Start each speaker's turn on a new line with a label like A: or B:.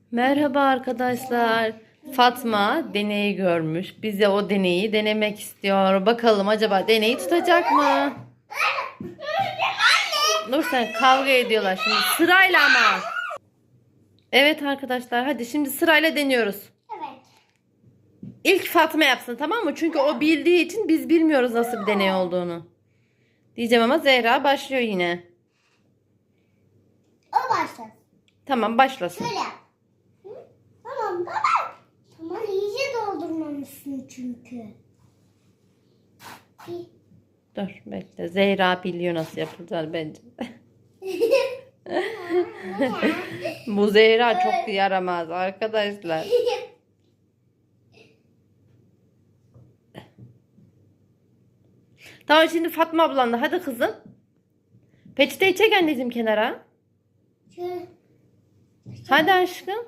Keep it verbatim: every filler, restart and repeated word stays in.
A: Merhaba arkadaşlar. Fatma deneyi görmüş. Bize o deneyi denemek istiyor. Bakalım acaba deneyi tutacak mı? Dur sen kavga ediyorlar şimdi sırayla ama. Evet arkadaşlar hadi şimdi sırayla deniyoruz.
B: Evet.
A: İlk Fatma yapsın tamam mı? Çünkü o bildiği için biz bilmiyoruz nasıl bir deney olduğunu. Diyeceğim ama Zehra başlıyor yine.
B: O başlasın.
A: Tamam başlasın.
B: Şöyle yap. Hı? Tamam tamam. Tamam iyice doldurmamışsın çünkü. Bir.
A: Dur bekle. Zehra biliyor nasıl yapılacağını bence. Bu Zehra çok yaramaz arkadaşlar. Tamam şimdi Fatma ablan da hadi kızım. Peçeteyi çek anneciğim kenara.
B: Şöyle.
A: Hadi aşkım.